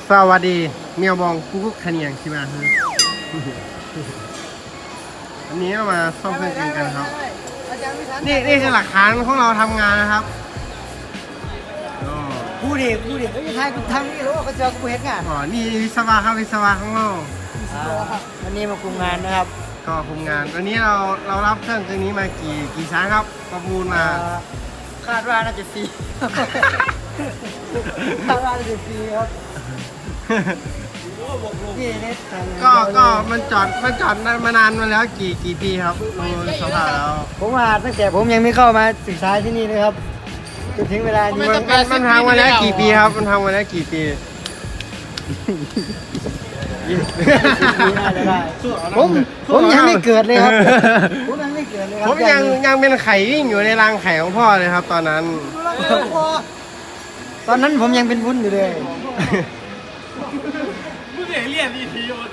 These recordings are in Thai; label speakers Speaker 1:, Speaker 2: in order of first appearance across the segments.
Speaker 1: สวัสดีเมียวบองกุ๊กขะเนียงใช่ไหมฮะอันนี้เรามาซ่อมเครื่องกินกันครับนี่คือหลักฐานของเราทำงานนะครับ
Speaker 2: พูดดิไม่ใช่กูทำนี่รู้ว่าเขาเจอกูเห็นงาน
Speaker 1: อ๋อนี่วิศวะครับวิศวะของเรา
Speaker 2: วันนี้มาคุมงานนะครับ
Speaker 1: ก็คุมงานวันนี้เรารับเครื่องตัวนี้มากี่ชั้นครับประมูลมา
Speaker 2: คาดว่าน่าจะฟรีคาดว่าน่าจะฟรีครับนี่เนี่ย
Speaker 1: ก็มันจอดมานานมาแล้วกี่ปีครับดูสภาพแล้ว
Speaker 2: ผมมาตั้งแต่ผมยังไม่เข้ามาศึกษาที่นี่เลยครับจนถึงเวลานี้
Speaker 1: มันทำมาแล้วกี่ปีครับมันทำมาแล้วกี่ปี
Speaker 2: น่าจะได้ผมยังไม่เกิดเลยครับผมยังไม่เกิดเลยครับ
Speaker 1: ผมยังเป็นไข่วิ่งอยู่ในรังไข่ของพ่อเลยครับ ตอนนั้น
Speaker 2: ตอนนั้นผมยังเป็นวุ้นอยู่เลย
Speaker 3: มึงเรียนดีทีมาดู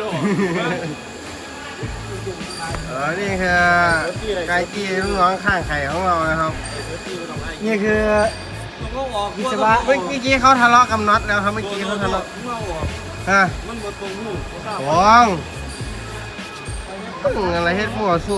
Speaker 1: นี่คือไก่กี้ลูกน้องข้างไข่ของเรานะครับ
Speaker 2: นี่คือ วิศวะ
Speaker 1: เมื่อกี้เขาทะเลาะกับน็อตแล้วครับเมื่อกี้เขาทะเลาะฮะ
Speaker 3: มันบดตรงหู
Speaker 1: หวงอะไรเฮ็ดมั่วซั่ว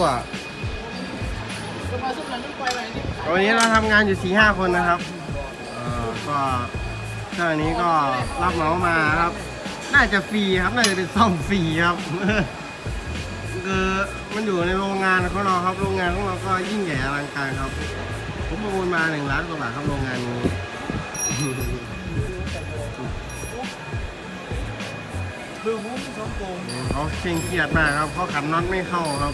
Speaker 1: วันนี้เราทำงานอยู่ 4-5 คนนะครับก็เครื่องนี้ก็รับเหมามาครับ น่าจะฟรีครับน่าจะเป็นซ่อมฟรีครับคือมันอยู่ในโรงงานของเราครับโรงงานของเราก็ยิ่งใหญ่อลังการครับผมประมูลมา1 ล้านกว่าบาทครับโรงงานนี้
Speaker 3: คือมุ้งสองโกง
Speaker 1: เขาเคร่งเครียดมากครับเขาขันน็อตไม่เข้าครับ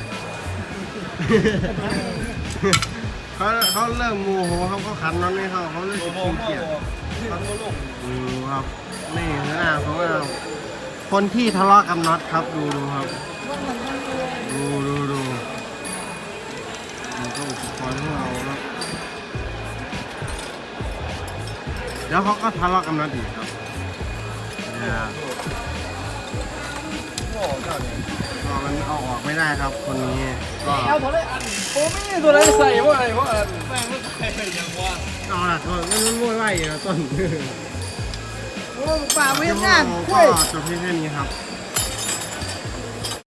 Speaker 1: เขาเริ่มโมโหครับเขาขันน็อตไม่เข้าเขาเริ่มเคร่งเครียดครับนี่คือหน้าของเราคนที่ทะเลาะกับน็อตครับดูครับดูมันก็อุปกรณ์ของเราครับแล้วเขาก็ทะเลาะกับน็อตอีกครับก็มันเอาออกไม่ได้ครับคนนี้ก็
Speaker 3: เอาตัวไรอันโอ้ไม่ตัวไรใส่ว่าอะไรว่าแม่งไม่ใส่อย่างว่า
Speaker 1: เอาล่ะก็มันวุ่นวายอยู่แล้วต้น
Speaker 2: ป่าไม่
Speaker 1: ก็
Speaker 2: ทำงาน
Speaker 1: จบเพียงแค่นี้ครับ